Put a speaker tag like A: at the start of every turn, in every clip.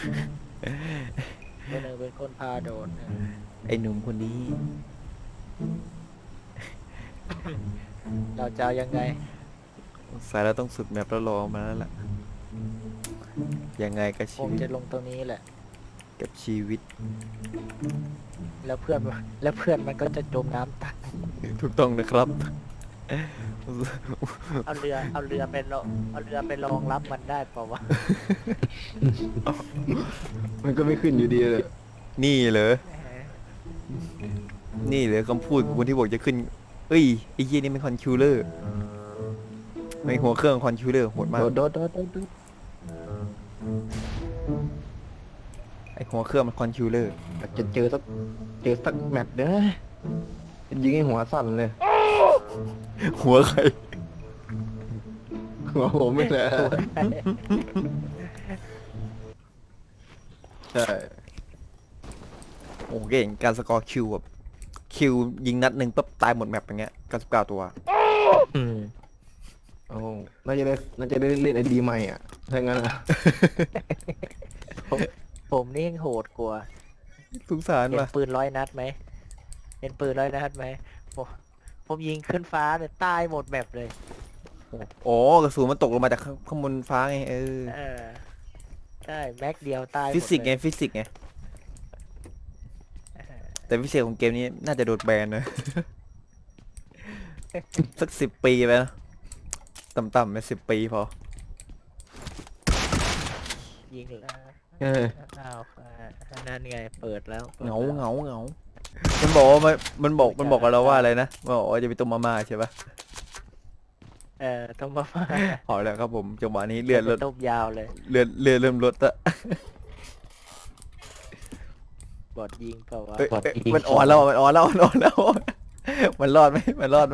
A: คนหนึ่งเป็นคนพาโดน
B: ไอ้หนุ่มคนนี้
A: เราจะเอายังไง
B: สายเราต้องสุดแมปแล้วรอมาแล้วล่ะยังไงกับ
A: ค
B: ชี
A: ง
B: วิต
A: จะลงตรงนี้แหละ
B: กับชีวิต
A: แล้วเพื่อนมันก็จะจมน้ำตาย
B: ถูกต้องนะครับ
A: เอาเรือไปรองรับมันได้เปล่าวะ
C: มันก็ไม่ขึ้นอยู่ดีเลย
B: นี่เหรอนี่เหรอคำพูดของคนที่บอกจะขึ้นเอ้ยไอ้เหี้ยนี่เป็นคอนคิวเลอร์ในหัวเครื่องคอนคิวเลอร์โหดมาก
C: โดด
B: ไอ้หัวเครื่องมันคอนคิวเลอร์
C: อยากจะเจอสักแมตช์เด้อยิงให้หัวสั่นเลย
B: หัวใคร
C: หัวผมไม่แหละใช่
B: โอ้เก่งการสกอร์คิวแบบคิวยิงนัดหนึ่งปุ๊บตายหมดแมปอย่างเงี้ย99ตัว
C: โอ้น่าจะได้เล่นไอดีใหม่อ่ะถ้างั้นอ่ะ
A: ผมนี่ยังโหดกว่า
B: สงสาร
A: เห็น
B: ว่ะ
A: ปืน100 นัดไหมเห็นปืน100 นัดไหมผมยิงขึ้นฟ้าเนี่ยตายหมดแบบเลย
B: โอ้กระสุนมันตกลงมาจากข้างบนฟ้าไง
A: ใช่แม็กเดียวตายหมด
B: ฟิสิกส์ไง
A: เลย
B: ฟิสิกส์ไงแต่พิเศษของเกมนี้น่าจะโดนแบนนะ สัก10 ปีไปนะต่ำๆไป10 ปีพอ
A: ยิงแล้ว อ้าวนั่นไงเปิดแล้ว
B: เหงามันบอกว่ามันบอกกับเราว่าอะไรนะมันบอกว่าจะไปต้มมาม่าใช่ปะ
A: ต้องมา
B: พอแล้วครับผมจังหวะนี้เลือด
A: ต้มยาวเลย
B: เริ่มลดละ
A: บอดยิงเปล่าวะ
B: เอ้ยมันอ่อนแล้วมันอ่อนแล้วมันรอดไหม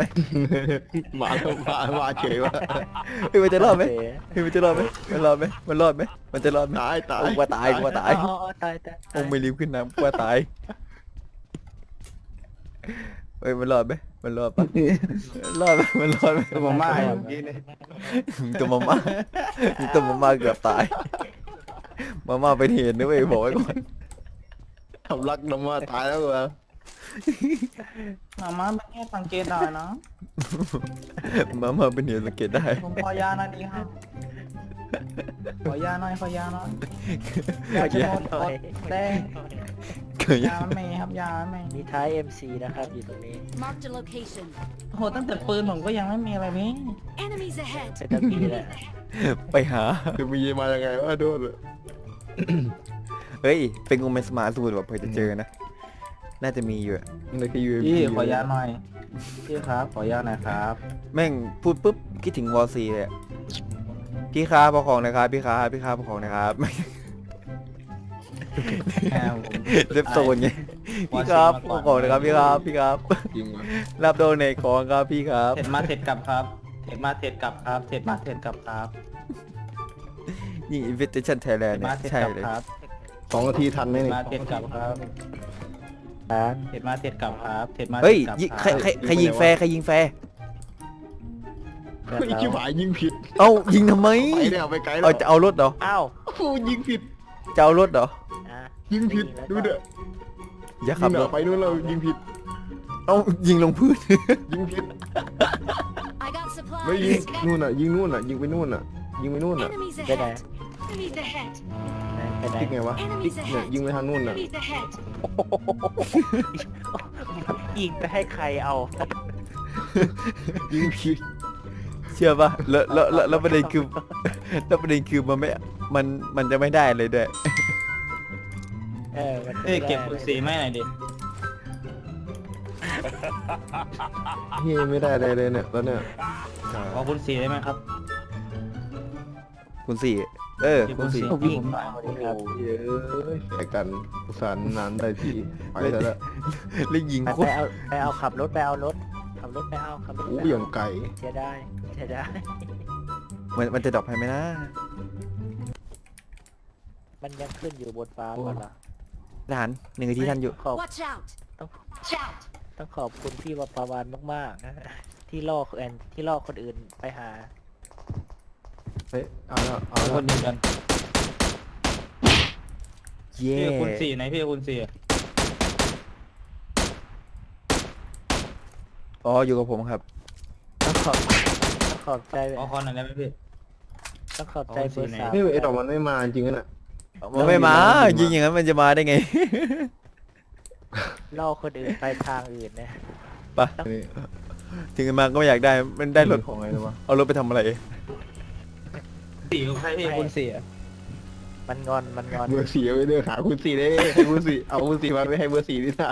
C: มาเฉยว่ะ
B: เฮ้ยมันจะรอดไหม
A: โเค
B: เฮ้ยมันจะรอดไหมมันจะรอดไหมมันจะรอดไหม
C: ตาย
B: โอ้กว่าตาย
A: อ๋อตาย
B: โอ้ไม่รีบขึ้นน้ำกว่าตายเฮ้ยมันรอดไหมมันรอดปะรอดไหมมันรอดไหม
C: ตัวมาม่าเมื่อกี้เนี่ย
B: ตัวมาม่าเกือบตายมาม่าเป็นเหตุนะเว้ยบอกไว้ก่อน
C: ทำรักน้ำมาตายแล้วเหรอ
D: มาม่าเป็นแค่สังเกตได้นะ
B: มาม่าเป็นเหตุสังเกตได้
D: ผมขอยาหน่อยดีครับ ขอยาหน่อย
A: ขอ
D: อยา
A: ห
D: จะ
A: น่
D: หมด
A: อย
D: แดง
B: เคย
D: ยาไม่ครับยาไม่
A: มีท้าย MC นะครับอยู่ตรงนี้
E: Marked a location.
D: โหตั้งแต่ปืนผมก็ยังไม่มีอะไรนี่
E: Enemies ahead.
A: จะตะปีแหละ
B: ไปหา
C: คือมีมายังไงวะโดนเลย
B: เฮ้ยเป็นงูเป็นสมาร์ทสูตรแบบเผื่อจะเจอนะน่าจะมีอยู่อะ
C: นี่คือ UMP
D: พี่ขอยาหน่อย พี่ครับขอยาหน่อยครับ
B: แม่งพูดปุ๊บคิดถึงวอซีเลยอะพี่ค้าประของนะครับพี่ค้าประของนะครับ
D: แม่ผม
B: เล็บโซนไงพี่ครับประของนะครับพี่ครับ
C: จริงวะ
B: รับโดนในของครับพี่ครับ
D: เสร็จมาเสร็จกลับครับ เสร็จมาเสร็จกลับครับ เสร็จมาเสร็จกลับครับ
B: นี่ Invitation
D: เสร็
B: Thailand
D: จ
B: เนี่
D: มาย เสร็จ
B: ใช่
D: กลับ
B: เลย
D: ครับ
C: 2 นาทีทันไหม
D: เสร็จ
C: เนี่ย
D: มาเสร็จกลับครับ
A: ครับ
D: เสร็จมาเสร็จกลับครับ เสร็จมา
B: เฮ้ย
D: สร็จกลับ
B: ยิง
D: ค
B: ใคร
D: รับ
B: ใครยิงแฟร์ใครยิงแฟร์
C: เฮ้ยชิบหายยิงผิด
B: เอ้ายิงทำไม
C: ไปเนี่ยไปไกลแล้
B: เอา
C: ว
B: จะเอารถเหรอ
A: อ้าว
C: โอ้ยิงผิด
B: จะเอารถเหรอ
A: อ่ะ
C: ยิงผิดดูเด้อ
B: อย่า
C: ยิ
B: ขับ
C: ง
B: ร
C: เด้อ
B: ถ
C: ไปนู่นเรายิงผิด
B: เอ้ายิงลงพื้น
C: ยิงผิด
E: I got supplies.
C: ไม่ยิงนู่นอ่ะยิงนู่นอ่ะยิงไปนู่นอ่ะยิงไปนู่นอ่ะ
E: Enemies
A: Cái này.
E: ahead. Enemies ahead.
A: ไปไหน
C: ติ๊กไงวะติ๊กเนี่ยยิงไปทางนู่นอ่ะ
E: Enemies ahead.
A: ยิงไปให้ใครเอา
C: ยิงผิด
B: เชื่อป่ะแล้วประเด็นคือ แล้วประเด็นคือมันจะไม่ได้เลยด้วย
A: มัน
D: เอ้ยเก็บปืนสีไม่หน่อยดิ
C: เฮ้ยไม่ได้อะไรเลยเนี่ยแล้วเนี่ย
D: ขอคุณสีได้ไหมครับ
B: คุณสี่คุณสี่
D: ผมวิ่งหน่อย
A: สวัสดีครับ
C: เย้ยแข่กันอุตส่าห์นานได้ทีไปแล้ว
B: แล้วยิง
A: ไป
B: โคตร
A: เอาขับรถไปเอารถขับรถไปเอา
C: อู้อย่างไก่
A: เสียได้
B: มันจะดรอปให้ไหมนะ
A: มันยังขึ้นอยู่บนฟ้าก่อนละ
B: ทหาร1 นาทีท่านอยู่
E: Watch out.
A: ต้อง
E: Watch out.
A: ต้องขอบคุณพี่วปาวานมากๆนะที่ล่อคนอื่นไปหา
C: เฮ้ยเอาแล้วเอา
D: ค
C: แล้ว
D: นเดียวกัน
B: เย่
D: พี่คูณ4ไหนพี่คูณ4
B: อ๋ออยู่กับผมครับ
A: ต้องขอบใจ
D: ขอคอนหน่อยได้ไหมพี่
A: ต้องขอบใจเบอร์สาม
C: นี่ไอ้ดอกมันไม่มาจริงๆน่ะ
B: มันไม่มายิงอย่างนั้นมันจะมาได้ไง
A: ล่อคนอื่นไปทางอื่นนะ
B: ไปถึงมาก็ไม่อยากได้มันได้รถ
C: ของไงนะวะ
B: เอารถไปทำอะไร
D: 4ของใครพี่คูณ4
A: มันงอนมันงอน
C: เบอร์สี่เอาไปเลือกหาคุณสี่ได้ให้คุณสี่เอาคุณสี่มาไม่ให้เบอร์สี่นี่นะ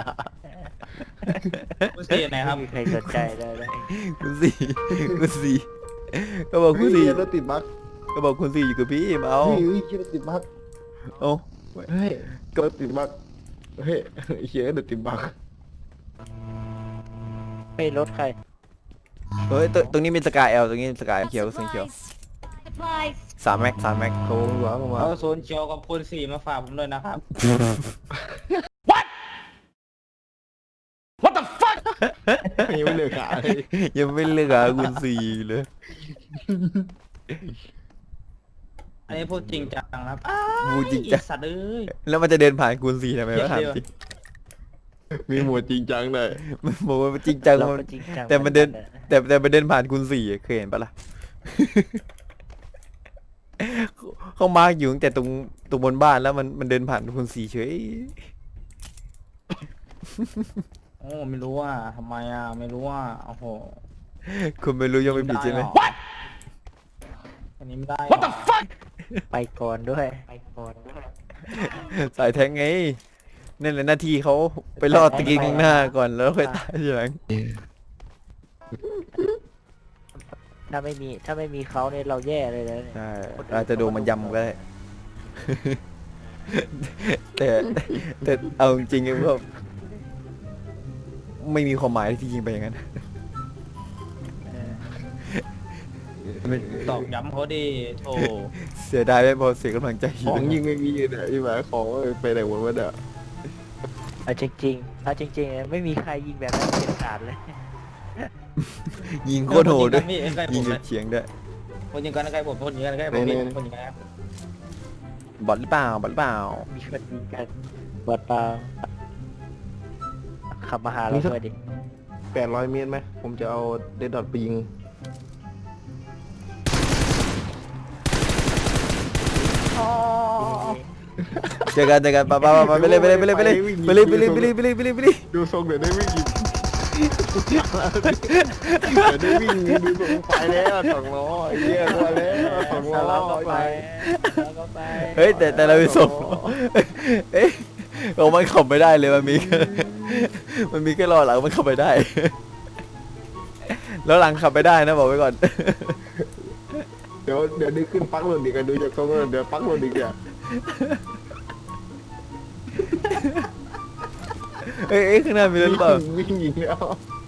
D: คูณ4ไหนครับ
A: ไม่มีใครสนใจเลยนะ
B: คุณสี่คุณสี่ก็บอกคุณสี่
C: เฮ้ยรถติดบั๊ก
B: ก็บอกคุณสี่อยู่กับพี่มาเอา
C: เฮ้ยรถติดบั๊ก
B: เอา
C: เฮ้ยรถติดบั๊กเฮ้ยเฮียรถติดบั๊ก
A: ไม่รถใคร
B: เฮ้ยตรงนี้มีสกายแอลตรงนี้สกาย
E: Got
B: เขียวสีเขียว
E: supplies.
B: 3 แม็ก
C: โค้งหัวลงมา
D: เอาโซนเขียวกับคูณ4มาฝากผมด้วยนะครับ
C: ยังไม่เลือกหาเลย
B: ยังไม่เลือกคุณสี่เลย
D: อันนี้พูดจริงจังครับ
B: พูดจริงจัง
D: อีสัตว์เอ้ย
B: แล้วมันจะเดินผ่านคุณสี่ทำไมวะถาม
D: เดี๋ยว
B: จริง
C: มีหมวดจริงจังเลย
B: มันบอกว่าจริงจัง
A: เรา
B: มัน
A: ก็จริงจัง
B: แต่มันเดิน แต่มันเดินผ่านคุณสี่เคยเห็นปะล่ะ เขามาร์กอยู่ตั้งแต่ตรงบนบ้านแล้วมันเดินผ่านคุณสี่เฉย
D: โอ้ไม่รู้ว่าทำไมอ่ะไม่รู้ว่าโอ้โห
B: คุณไม่รู้ยังไม่ผิดใช่ไหม
D: อันนี้ไม่ได้
A: ไปก่อนด้วยไปก่อนด้วย
B: สายแทงไงนั่นแหละหน้าที่เขาไปรอดตะกี้ข้างหน้าก่อนแล้วค่อยตายทีหลัง
A: ถ้าไม่มีเขาเนี่ยเราแย่เลยนะเนี่ย
B: ใช่อาจจะโดนมันยำก็ได้ แต่เอาจริงๆก็ไม่มีความหมายที่ยิงไปอย่างนั้น
D: ตอกย้ำเขาดิโธ่
B: เสียดายไม่พอเสียกำลังใจ
C: ของยิงไม่มีเนี่ยใช่ไหมของไปไหนหมดวะเนี่ย
A: เอาจริงๆไม่มีใครยิงแบบนั้นเด็ดขาดเลย
B: ยิงโคตรโหดด้วย
D: พี่ใกล้ผ
B: ยิง
D: มเลย
B: เฉียงด้วย
D: คนยิงกันใกล้ผมคนยิงกันใกล้ผมพี่คนยิงกัน
B: บอทหรือเปล่าบอทหรือเปล่า
A: มีคนยิงกันบอดเปล่าขับมาหาเราด้วยดิ
C: 800 เมตรไหมผมจะเอาเดดดอทไปยิง
B: เจอกันไปเลย
C: ดูทรงเดี๋ยวได้วิ่งยิงเดี๋ยวได้วิ่งยิงดูทรงไปแล้ว2 ล้อไอ้เหี้ยมาแล้ว2 ล้อ
A: เราก็ไปเราก็ไป
B: เฮ้ยแต่เราไปส่งเอ๊ะโอ้มันขับไม่ได้เลยมันมีแค่ล้อหลังมันขับไม่ได้ แล้วหลังขับไม่ได้นะบอกไว้ก่อน
C: เดี๋ยวได้ขึ้นปักรถดีกันดูจากทรงแล้วเดี๋ยวปักรถดีกัน
B: เอ้ยข้างหน้ามีรถเปล่า
C: วิ่งยิงแล้ว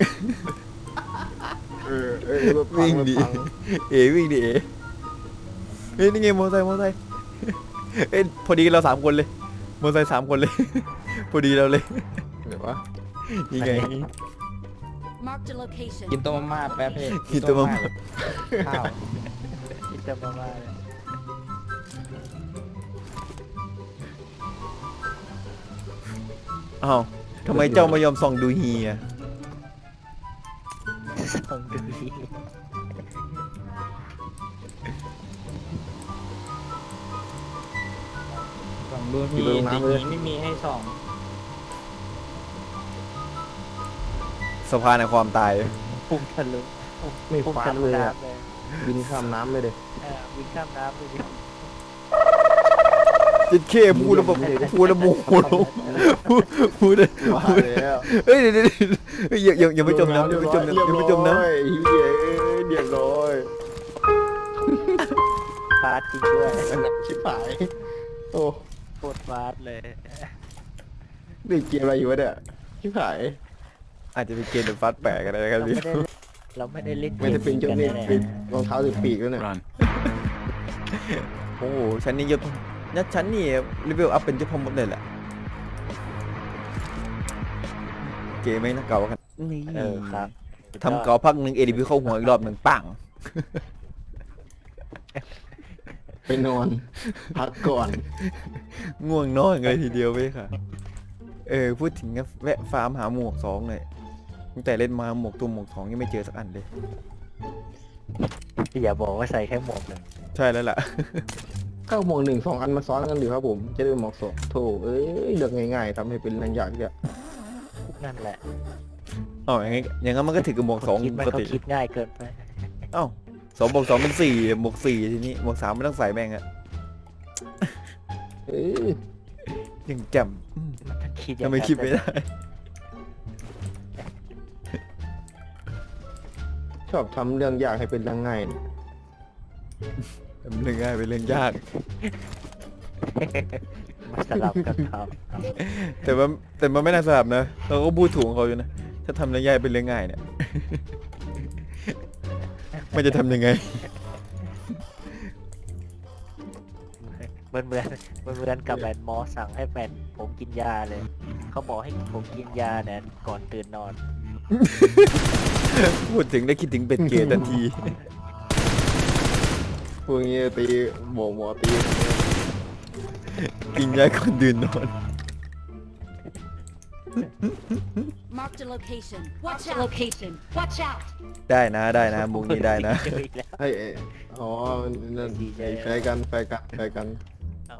C: รถพั
B: วิ่ง
C: รถ
B: ดิ
C: พั
B: วิ่งดิเฮ้ยนี่ไงมอเตอร์ไซค์เอ้ยพอดีเรา3 คนเลยมอเตอร์ไซค์3 คนเลย พอดีเราเลย
C: เดี๋ยววะ
B: นี่ไง
E: Marked a location.
D: กินตัวมาม่าแป๊บพี่
B: กินตัวมาม่า
D: ข้าว
A: ที่จะมาเลย
B: อ้าวทำไมเจ้าไม่ยอมส่องดูเฮีย
A: ส่งดูดี
D: สองดูพี่จริงๆไม่มีให้สอง
B: สะพานแห่งความตาย
A: พุ่งทะลุ
C: ไม่
A: พุ่ง
C: ฟา
A: ทะ
C: ด
A: ลุ
C: เลยอะ
A: น้ำเลย
C: บินข้ามน้ำเลยเด็
A: วิ่งข้ามน้ำไปดิ
B: จิตเข้พูดแล้วแบบพูดแล้วโมโหพูด
C: ว่าแล้ว
B: เฮ้ยเดี๋ยวอย่าไปจมน้ำอย่าไปจมน้ำอย่าไปจมน้ำ
C: เฮ้ยเรียบร้อย
A: ฟาดจริงด้วย
C: ชิบหายโอ้
A: โคตรฟาดเลย
C: นี่เกมอะไรอยู่วะเนี่ยชิบหาย
B: อาจจะเป็นเกมแบบฟัดแปลกอะไรกันพี่
A: เราไม่ได้เล่น
C: ไม่ได้เป็นเจ้า
A: กั
C: เนี่ย
A: แน่
C: เป็นรองเท้าติดปีกแล้วเนี่ย
B: โอ้โหฉันนี่ยศนัดฉันนี่รีวิวอัพเป็นเจ้าพ่อมดเลยแหละเกมไม่น่าเก่ากันนี่
A: ครับ
B: ทำเก่าพักหนึ่งเอดีพีเข้าหัวอีกรอบหนึ่งปัง
C: ไปไปนอนพักก่อน
B: ง่วงนอนเลยทีเดียวเว้ยค่ะพูดถึงก็แวะฟาร์มหาหมวก2เลยตั้งแต่เล่นมาหมวกตัวหมวก2ยังไม่เจอสักอันเลย
A: อย่าบอกว่าใส่แค่หมวกหนึ่ง
B: ใช่แล้วล่ะ
C: ก็หมวก1 2 อันมาซ้อนกันอยู่ครับผมจะได้เป็นหมวก2โถเอ้ยเลือกง่ายๆทำให้เป็นเรื่องยากเนี่ย
A: นั่นแหละ
B: อ๋ออย่างงั้นมันก็ถือกับหมวก2
A: คิด
B: ป
A: มัน
B: ก
A: ก็
B: ติ
A: คิดง่ายเกินไป
B: เอ้า2 บวก 2เป็น4หมวก4ทีนี้หมวก3ไม่ต้องใส่แม่งอะ
C: เอ้ย
B: ยังแจ่ม
A: มันคิดอย่าง
B: ทำไม
A: นั้น
B: คิดไม่ได้
C: ชอบทำเรื่องยากให้เป็นเรื่องง่ายเนี่ย
B: เรื่องง่ายเป็นเรื่องยาก
A: มาสลับกันท
B: แต่มันไม่น่าสลับนะเราก็พูดถูกของเขาอยู่นะถ้าทำเรื่องยากเป็นเรื่องง่ายเนี่ย มันจะทำยังไง
A: ำเหมือนกับแมนหมอสั่งให้แมนผมกินยาเลย เขาบอกให้ผมกินยาเนี่ยก่อนตื่นนอน
B: พูดถึงได้คิดถึงเป็ดเกย์ทันที
C: พวกนี้ตีหมอตี
B: กินยาก่อนตื่นนอน
E: Marked a location. Watch out. Location. Watch out.
B: ได้นะมุกนี้ได้นะ
A: เจออีกแล้ว
C: เฮ้ยอ๋อนั่นไอ้แฟร์กัน
A: อ๋อ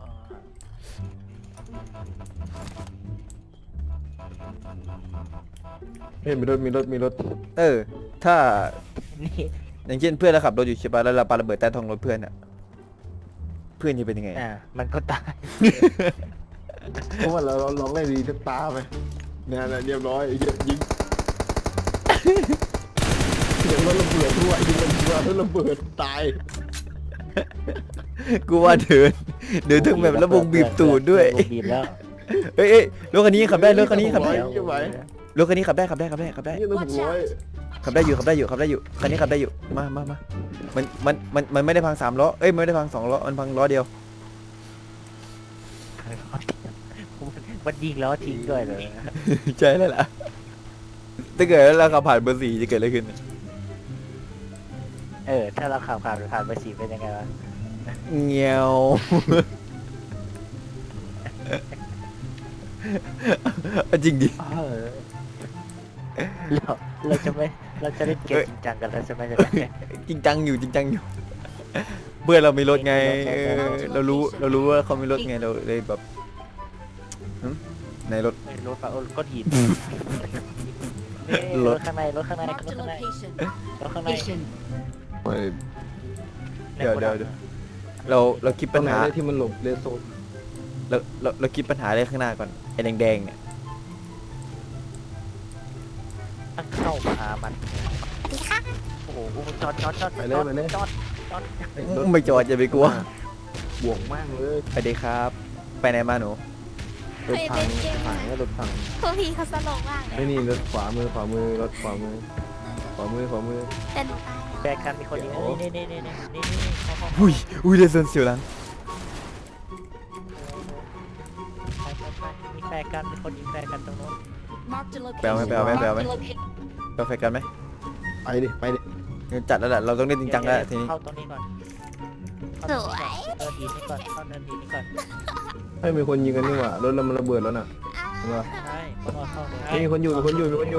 C: เฮ้ยมีรถ
B: ถ้า
A: นี่
B: อย่างเช่นเพื่อนเราขับรถอยู่ใช่ปะแล้วเราปาระเบิดใต้ท้องรถเพื่อนอะเพื่อนจะเป็นยังไง
A: มันก็ตาย
C: เพราะว่าเราลองเล่นดีทุกตาไปเนี่ยเรียบร้อยยิงเดี๋ยวรถระเบิดด้วยยิงรถระเบิดตาย
B: กูว่าเดินถึงแบบระบงบีบตูดด้วย
A: บีบแล้ว
B: เอ้ยรถคันนี้ขับได้รถคันนี้ขับได้
C: ไม่ไหว
B: รถคันนี้ขับได้
C: นี่รถ600
B: ขับได้อยู่คันนี้ขับได้อยู่มามันไม่ได้พัง3 ล้อไม่ได้พัง2 ล้อมันพังล้อเดียว
A: มันยิงแล้วทิ้งด้วยเลย
B: ใช่แล้วล่ะถ้าเกิดเราขับผ่านเบอร์4จะเกิดอะไรขึ้น
A: ถ้าเราขับผ่านไปสีเป็นยังไงวะ
B: เงี้ยวจริงดิ
A: เราจะเล่นเกมจริงจังกันแล้วใช่ไหม
B: จริงจังอยู่เพื่อนเรามีรถไงเรารู้ว่าเขามีรถไงเราเลยแบบในรถ
A: รถก้อนหินรถข้างใน
E: Marked a location.
A: รถข้างใน
E: Location.
B: เดี๋ยวเราคิด
C: ตร
B: ปัญ
C: งไหน
B: หา
C: ได้ที่มันหลบเลนโซน
B: เราคิดปัญหาเลยข้างหน้าก่อนไอ้แดงๆเนี่ย
A: ตั้งเข้าหามันโอ้โหจอด
C: ไปเลย
B: ไม่จอดอย่าไปกลัว
C: บวกมากเลย
B: ไปดีครับ ไปไหนมาหนู
C: รถพังรถพัง
F: พวกพี่เขาสนุกมากเลย
C: ไอ้นี่รถขวามือรถขวามือ
F: แต่หนูตาย
A: แบกกันมีคนยิงนี่เข้า
B: อุ้ยเดซนเสียวหลัง
A: มีแบกกันมีคนยิงแบกกันตรงโน้น
E: Marked a location.
B: ไปเอาไหม
E: Marked a location.
B: เราแฟกันไหม
C: ไปดิ
B: จัดแล้วแหละเราต้องเล่นจริงจังแล้วทีนี้
A: เข้าตรงนี้ก่อน
F: สวย
A: เนินดินนี่ก่อนเข้าเนินดินนี่ก่อน
C: ให้มีคนยิงกันนี่หว่ารถเรามันระเบิดแล้วน่ะ
A: ใช่เข้าเลย
C: มีคนอยู่
A: มัน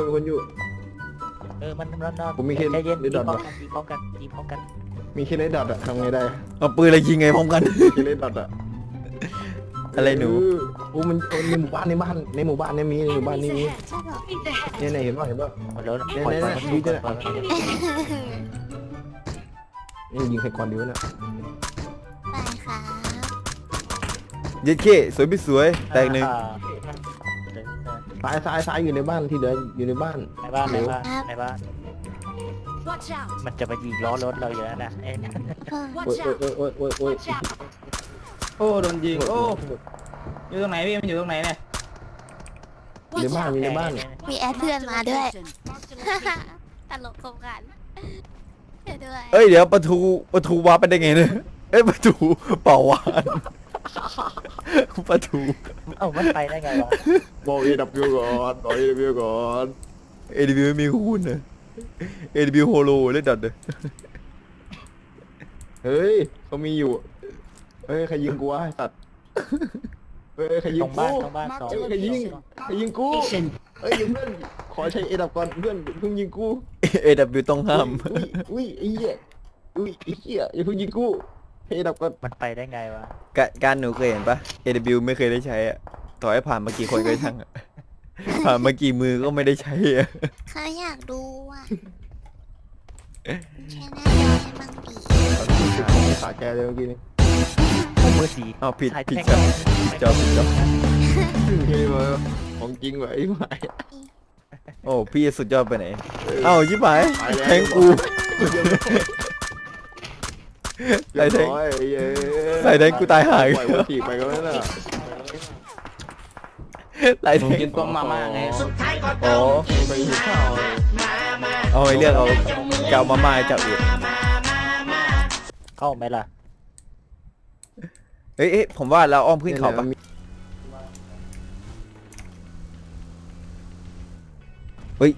A: นอน
C: ผมมีแค่
A: ใจเย็น
C: นิดหน่อย
A: ยิงพร้อมกัน
C: มีแค่เลดดอทอะทำไงได้
B: เอาปืนอะไรยิงไงพร้อมกัน
C: แค่เลดดอทอะ
B: อะไรหนู
C: โอ้มันในหมู่บ้านเนี่ยมีในหมู่บ้าน
E: Enemies
C: นี่มี
E: ahead.
C: เนี่ยเห็นป่ะ
A: แล้วปล่อยมันดูก่อน
C: นี่ยิงใครก่อนดีวะเนี่ย
F: ไปค่ะ
B: เย็ดเคสวยไม่สวยแตกหนึ่ง
C: ซ้ายอยู่ในบ้านที่เหลืออยู่ในบ้าน
A: ในบ้าน
E: Watch out.
A: มันจะมายิงล้อรถเราอยู่แล้วนะ
E: Watch out.
C: โอ้ย
E: Watch out.
D: โอ้โดนยิงโอ้อยู่ตรงไหนพี่มันอยู่ตรงไหนเนี่ย
C: ใน
E: Watch
C: บ้าน
E: out.
C: มีในบ้าน
F: มีแอดเพื่อน
E: Marked a
F: มาด้วย
E: location. Marked a location.
F: ตลกคมกันเดี๋ยวด้วย
B: เดี๋ยวประตูวาร์ปไปได้ไงเนี่ยประตูเป่าวานประตู
A: มันไปได้ไงวะ
C: บอก AW ก่อนบอก AW ก่อน
B: AW ไม่มีหุ้นนะ AW โฮโลเล่นดัดเลย
C: เฮ้ยเขามีอยู่เฮ้ยใครยิงกูวะไอ้สัตว์เฮ้ยใครยิ
A: ต
C: ง
A: รง
C: กู
A: บ้านตรงบ้านสอง
C: ใครยิงใครยิงกูเฮ้ยเพื่อนขอใช้เอดับก่อนเพื่อนเพิ่งยิงกู
B: AW ต้องห้าม
C: อุ้ยไอ้เหี้ยอุ้ยไอ้เหี้ยอย่าเพิ่งยิงกูให้เอดับก่อน
A: มันไปได้ไงวะ
B: การหนูเคยเห็นปะ AW ไม่เคยได้ใช้อะต่อให้ผ่านมากี่คนก็ช่างอะผ่านมากี่มือก็ไม่ได้ใช้อะ
F: เขาอยากดูอ่ะใช้หน้าจอให้บางที
C: ขาแกเลยเมื่อกี้นี่
A: มือสี
B: อ้าวผิด
A: ถ่าย
B: ผิด
A: แท่ง
B: จอผิดจอ
C: เฮ้ยมาของจริงว่ะไอ้หมาย
B: โอ้พี่สุดยอดไปไหนเอ้าชิบหาย
C: ตายแล้ว
B: แทงกู ใส่แทง
C: เรียบร้อยไอ้เหี้ย
B: ใส่แทงกูตายหาย
C: ปล่อยวัตถีบไปก็ไม่น่ะ
B: หลาย
D: ผ
B: แท
D: ม
B: ง
D: กินต้มมาม่าไง
B: โอ้
C: ไปหิวข้าว
B: เอาไอ้เรื่องเอาจะเอามาม่าให้จับอีก
A: เข้าไหมล่ะ
B: เอ้ยผมว่าเราอ้อมขึ้นเขาปะเฮ้ย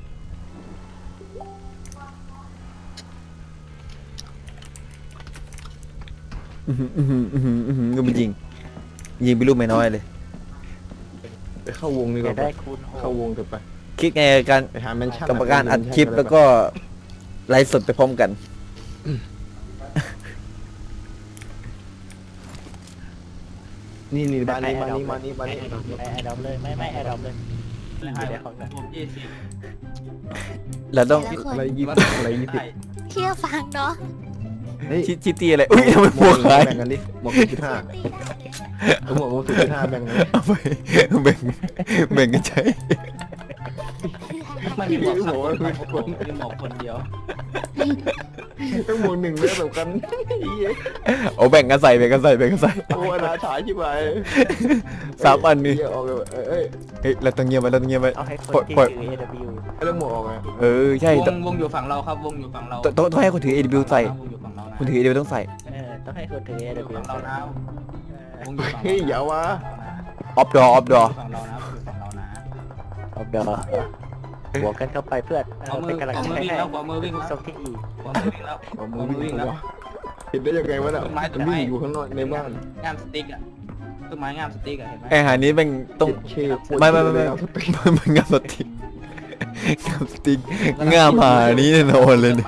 B: ก็มันยิงไปลูกไม่น้อยเลย
C: ไปเข้าวงดีก
A: จะ
C: ว่า
A: ได้คูณห
C: เข้าก วงเถอะไป
B: คิดไงการ
C: ไปหาแมนชั่น
B: กรรมการอัดคลิปแล้วก็ไลฟ์สดไปพร้อมกัน
C: นี่บ้านนี้
A: ไอ้ดอมเลยไม่ไอ้ดอมเลย
D: ผม20
B: เราต้อง
F: แต่ละคน
C: อะไรยี่สิบอะไรยี่สิบ
F: เชื่อฟังเนาะ
C: เฮ้ย
B: ชิตีอะไรอุ้ยทำไมหมวกหาย
C: แบ่งกันดิหมวก0.5
F: ตีได้เลย
C: หมวก0.5แบ่งกัน
B: เอาไปแบ่งกันใช้
D: มันมีหมวกสักคนผมมีหมวกคนเดียว
C: ต้องหมวก1เลยแบบกันเฮ้ย
B: เอาแบ่งกันใส่แบ่งกันใส่
C: โอ้อนาถาชิบหาย
B: 3 อันนี่
C: เหี้ยออกเลยเอ้ย
B: เฮ้ยเราต้องเงียบไว้เราต้องเงียบไว้
A: เอาให้คน
B: ปล่อย
A: ที่ถือ AW
C: เรื่องหมวกออกไง
B: เออใช่
D: วงอยู่ฝั่งเราครับวงอยู่ฝั่งเรา
B: ต้องให้คนถือ AW ใส่
D: วงอยู่ฝั่งเรานะ
B: คนถือ AW ต้องใส่
A: ต้องให้คนถือ
D: วงอยู่
A: AW
D: ฝั่งเรานะวงอยู่ฝั่ง
C: เฮ้ยอย่าวะ
B: ออฟดอ
D: ฝั่งเรานะฝั่งเรานะ
A: เอาเดี๋ยวบวกกันเข้าไปเพื่อน
D: เอามือ
A: เป็นกำลัง
D: เอามือ
A: ใจ
D: วิ่ง
A: ให้
D: แล้วขวามือวิ่งแล้ว
A: ส่งที่อี
D: ขวามือวิ่งแล้ว
C: เอามือวิ่งแล้วเห็นได้ยังไงวะน่ะมันวิ่งอยู่ข้างนอกในบ้าน
D: งามสติ๊กอ่ะต้นไม้งามสติ๊กอ่ะเห็นไหม
B: ไอหานี้เป็นต้อง
C: เชี่ย
B: ไม่มันงามสติกงามหานี้แน่นอนเลยเนี่ย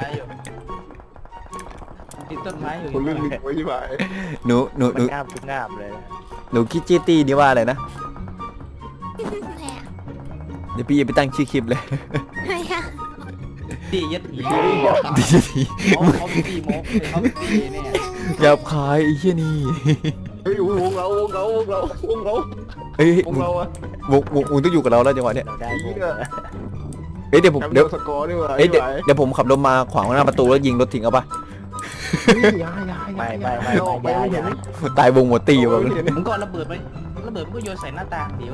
D: ติดต้นไม้อยู่
C: คนเรื่องลิงไว้ชิบหาย
B: หนู
A: มันงามทุกงามเลย
B: หนูคิดจีตี้นี่ว่าอะไรนะ
F: แม่
B: เดี๋ยวพี่จะไปตั้งชื่อคลิปเลย
F: ไม่อะ
D: ตียัดหี
B: ดีที
D: เขาตีโมกเขาตีเนี่ย
B: หยาบคายไอ้เหี้ยนี่
C: เฮ้ยวงเรา
B: เอ้ยว
C: งเราอะ
B: วงต้องอยู่กับเราแล้วจังหวะเนี้ย
A: เราได้บวก
B: เอ้ยเดี๋ยวผม
C: แคมป์
B: เดี๋ยว
C: สกอร์นี่หว่า
B: เอ้ยเดี๋ยวผมขับรถมาขวางหน้าประตูแล้วยิงรถทิ้งเอาปะ
C: ไม่ออกไปไม่เห็น
B: ตายวงหมดตีอยู่
C: ไม่
B: วะ
C: เห็น
D: มันก็ระเบิดไประเบิดมันก็โยนใส่หน้าต่างเดี๋ยว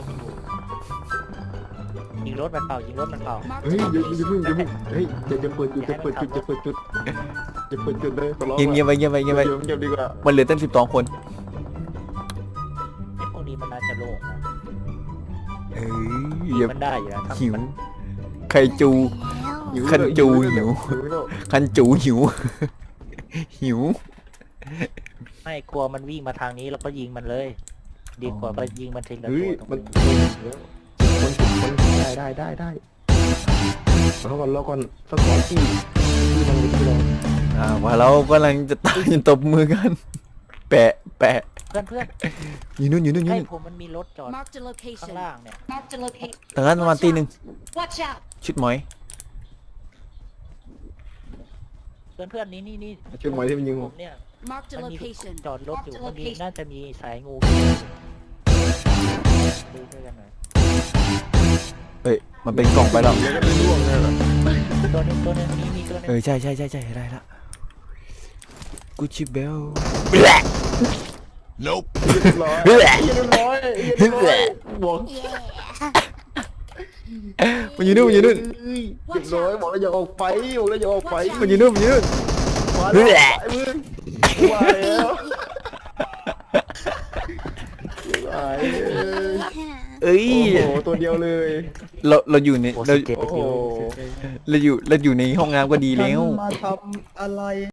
A: ยิงรถมันเป่ายิงรถมันเป่า
C: เฮ้ยอย่าเพิ่งเฮ้ยจะเปิดจุดจะเปิดจุดเลยขอร้อง
B: เงียบไว้
C: เงียบดีกว่า
B: มันเหลือเต้น12 คน
A: ไอ้พวกนี้มันน่าจะโล่งนะ
B: เอ้ยอย่า
A: มันได้อยู่นะ
B: หิวไข่จู
F: แล้ว
B: คันจูหิว คันจูหิว หิว
A: ไม่กลัวมันวิ่งมาทางนี้แล้วก็ยิงมันเลย ดีกว่าไปยิงมันทิ้งแล้ว
C: เฮ้ย
A: ตัวตรง
C: มัน
A: นี้
C: ได้แล้วก่อนสกอร์ที่มัน
B: ว่าเรากำลังจะตายตบมือกัน แปะ
A: เพื่อน
B: อยู่นู่น
A: ให้ผมมันมีรถจอด
E: Marked a
A: ข้าง
E: location.
A: ล่างเนี่ย
E: Marked a location.
B: ตอนนั้นประมาณตี 1
E: Watch out.
B: ชุดหมอย
A: เพื่อนนี่
C: ชุดหมายที่มันยิง
A: ผมเนี่ย
E: Marked a
A: มันมี
E: location.
A: จอดรถอยู่
E: Marked a
A: มันมี
E: location.
A: น่าจะมีสายงูดูด้วยกันหน่อย
B: เฮ้ย มันเป็นกล่องไปแล้ว
C: แล้วก็ไปล่วงเลยเหรอ
A: ตัวนึงมีตัวนึง
B: ใช่ได้ละกูชิเบล
C: Nope เรียบร้อยบอก
F: เย่
B: มันอยู่นู่น
C: เรียบร้อยบอกแล้วอย่าออกไปบอกแล้วอย่าออกไป
B: มันอยู่นู่น
C: มาแล้วมึงว่าแล้ว
B: เอ้ย
C: โอ้โหตัวเดียวเลย
B: เราอยู่ใน
A: โอ้
B: เรา
A: 17
C: โอ้โห
B: อยู่ในห้องน้ำก็ดีแล้ว
C: มาทำอะไร